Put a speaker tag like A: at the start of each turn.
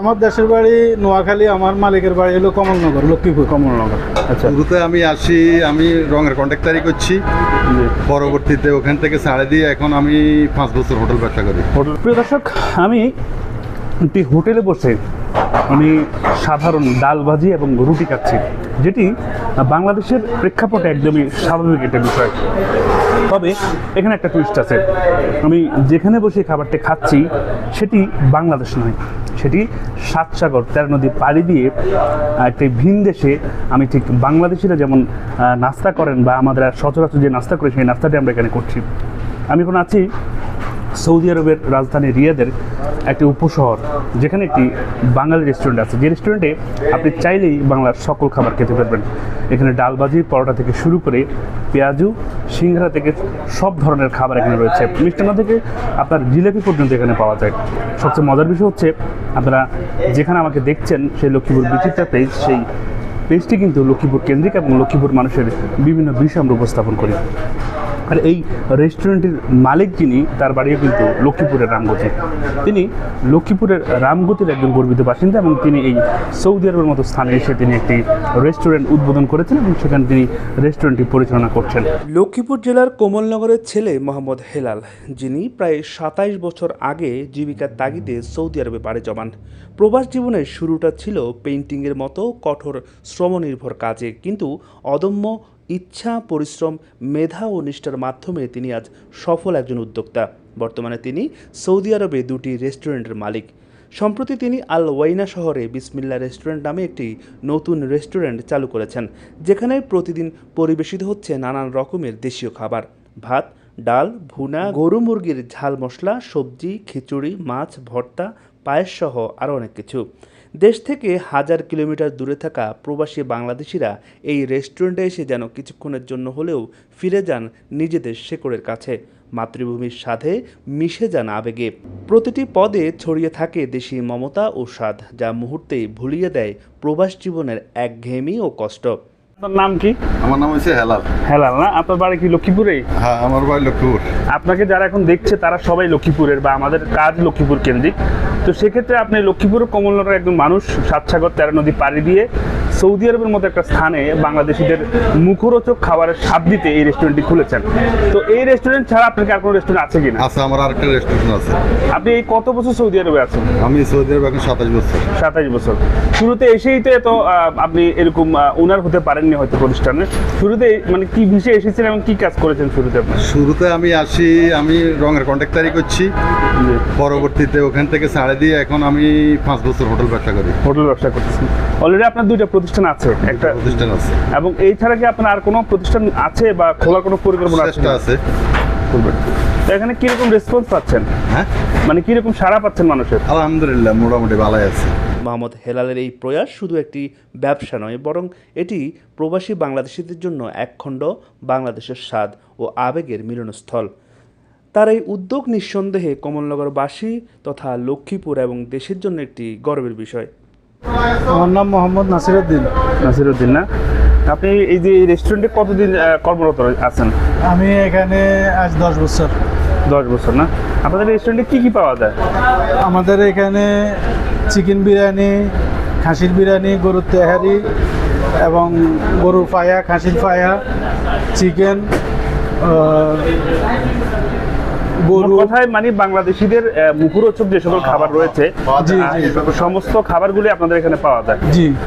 A: আমার দেশের বাড়ি নোয়াখালী, আমার মালিকের বাড়ি হলো কমলনগর, লক্ষ্মীপুর।
B: কমলনগর। আচ্ছা,
C: শুরুতে আমি আসি, আমি রঙের কন্ট্রাক্টারি করছি,
B: জি।
C: পরবর্তীতে ওখান থেকে ছাড়ে দিয়ে এখন আমি 5 বছর হোটেল ব্যবসা করি।
B: হোটেল। প্রিয় দর্শক, আমি একটি হোটেলে বসে আমি সাধারণ ডাল ভাজি এবং রুটি খাচ্ছি, যেটি বাংলাদেশের প্রেক্ষাপটে একদমই স্বাভাবিক একটা বিষয়। তবে এখানে একটা টুইস্ট আছে। আমি যেখানে বসে খাবারটা খাচ্ছি সেটি বাংলাদেশ নয়, সেটি 7 সাগর 13 নদী পাড়ি দিয়ে একটি ভিন দেশে। আমি ঠিক বাংলাদেশিরা যেমন নাস্তা করেন বা আমাদের সচরাচর যে নাস্তা করি সেই নাস্তাটি আমরা এখানে করছি। আমি এখন আছি সৌদি আরবের রাজধানী রিয়াদের একটি উপশহর, যেখানে একটি বাঙালি রেস্টুরেন্ট আছে, যে রেস্টুরেন্টে আপনি চাইলেই বাংলার সকল খাবার খেতে পারবেন। এখানে ডালবাজি, পরোটা থেকে শুরু করে পেঁয়াজু, সিংড়া থেকে সব ধরনের খাবার এখানে রয়েছে। মিষ্টান্ন থেকে আপনার জিলাপি পর্যন্ত এখানে পাওয়া যায়। সবচেয়ে মজার বিষয় হচ্ছে, আপনারা যেখানে আমাকে দেখছেন সেই লক্ষ্মীপুর বিচিত্রা পেজ, সেই পেজটি কিন্তু লক্ষ্মীপুর কেন্দ্রিক এবং লক্ষ্মীপুর মানুষের বিভিন্ন বিষয় আমরা উপস্থাপন করি। আর এই রেস্টুরেন্টের মালিক যিনি, তার বাড়িও কিন্তু লক্ষ্মীপুরের রামগতি। তিনি লক্ষ্মীপুরের রামগতির একজন গর্বিত বাসিন্দা এবং তিনি এই সৌদি আরবের মতো স্থানে এসে তিনি একটি রেস্টুরেন্ট উদ্বোধন করেছেন এবং সেখানে তিনি রেস্টুরেন্টটি পরিচালনা করছেন।
D: লক্ষ্মীপুর জেলার কোমলনগরের ছেলে মোহাম্মদ হেলাল, যিনি প্রায় 27 বছর আগে জীবিকার তাগিদে সৌদি আরবে পাড়ি জমান। প্রবাস জীবনের শুরুটা ছিল পেইন্টিংয়ের মতো কঠোর শ্রমনির্ভর কাজে, কিন্তু অদম্য ইচ্ছা, পরিশ্রম, মেধা ও নিষ্ঠার মাধ্যমে তিনি আজ সফল একজন উদ্যোক্তা। বর্তমানে তিনি সৌদি আরবে 2টি রেস্টুরেন্টের মালিক। সম্প্রতি তিনি আল ওয়াইনা শহরে বিসমিল্লা রেস্টুরেন্ট নামে একটি নতুন রেস্টুরেন্ট চালু করেছেন, যেখানে প্রতিদিন পরিবেশিত হচ্ছে নানান রকমের দেশীয় খাবার: ভাত, ডাল, ভুনা, গরু মুরগির ঝাল মশলা, সবজি, খিচুড়ি, মাছ, ভর্তা, পায়েস সহ আরও অনেক কিছু। দেশ থেকে 1000 কিলোমিটার দূরে থাকা প্রবাসী বাংলাদেশিরা এই রেস্টুরেন্টে এসে যেন কিছুক্ষণের জন্য হলেও ফিরে যান নিজেদের শেকড়ের কাছে, মাতৃভূমির স্বাদে মিশে যান আবেগে। প্রতিটি পদে ছড়িয়ে থাকে দেশি মমতা ও স্বাদ, যা মুহূর্তেই ভুলিয়ে দেয় প্রবাস জীবনের একঘেয়েমি ও কষ্ট।
B: আপনার নাম কি?
C: আমার নাম হচ্ছে হেলাল।
B: হেলাল না? আপনার বাড়ি কি লক্ষ্মীপুরেই?
C: হ্যাঁ, আমার বাড়ি লক্ষ্মীপুর।
B: আপনাকে যারা এখন দেখছে তারা সবাই লক্ষ্মীপুরের, বা আমাদের কাজ লক্ষ্মীপুর কেন্দ্রিক। তো সেক্ষেত্রে আপনি লক্ষ্মীপুর কমলনগরের একজন মানুষ, 7 সাগর 13 নদী পাড়ি দিয়ে সৌদি আরবের মতো একটা স্থানে বাংলাদেশিদের মুখরোচক খাবারের স্বাদ দিতে এই রেস্টুরেন্টটি খুলেছেন। তো এই রেস্টুরেন্ট ছাড়া আপনার কি আর কোনো রেস্টুরেন্ট আছে কিনা?
C: আচ্ছা, আমার আরেকটা রেস্টুরেন্ট আছে।
B: আপনি এই কত বছর সৌদি আরবে আছেন?
C: আমি সৌদি আরবে এখন 27 বছর।
B: 27 বছর। শুরুতে এসেই তো আপনি এরকম ওনার হতে পারেননি হয়তো প্রতিষ্ঠানে। শুরুতে মানে কি বিষয়ে এসেছেন এবং কি কাজ করেছেন শুরুতে আপনি?
C: শুরুতে আমি আসি, আমি রঙের কন্ট্রাক্টারি করছি, পরবর্তীতে ওখান থেকে ছাড়ে দিয়ে এখন আমি 5 বছর হোটেল ব্যবসা করি।
B: হোটেল ব্যবসা করতেছেন। অলরেডি আপনার 2টা প্রতিষ্ঠান আছে, একটা
C: প্রতিষ্ঠান আছে,
B: এবং এই ছাড়া কি আপনার আর কোনো প্রতিষ্ঠান আছে বা খোলার কোনো পরিকল্পনা আছে?
C: চেষ্টা আছে।
B: করবেন। তো এখানে কিরকম রেসপন্স পাচ্ছেন?
C: হ্যাঁ,
B: মানে কিরকম সাড়া পাচ্ছেন মানুষের?
C: আলহামদুলিল্লাহ, মোটামুটি ভালোই আছে।
D: মোহাম্মদ হেলালের এই প্রয়াস শুধু একটি ব্যবসা নয়, বরং এটি প্রবাসী বাংলাদেশিদের জন্য একখণ্ড বাংলাদেশের স্বাদ ও আবেগের মিলনস্থল। তার এই উদ্যোগ নিঃসন্দেহে কমলনগরবাসী তথা লক্ষ্মীপুর এবং দেশের জন্য একটি গর্বের বিষয়।
A: আমার নাম মোহাম্মদ নাসিরউদ্দিন।
B: নাসিরউদ্দিন না? আপনি এই যে রেস্টুরেন্টে কতদিন কর্মরত আছেন?
A: আমি এখানে আজ 10 বছর।
B: 10 বছর না? আপনাদের রেস্টুরেন্টে কি কি পাওয়া যায়?
A: আমাদের এখানে চিকেন বিরিয়ানি, খাসির বিরিয়ানি, গরুর তেহারি এবং গরুর ফায়া, খাসির ফায়া, চিকেন, গরু।
B: কথায় মানে বাংলাদেশিদের মুখরোচক যে সকল খাবার রয়েছে,
A: জি, জি।
B: সমস্ত খাবারগুলি আপনাদের এখানে পাওয়া যায়।
A: জি।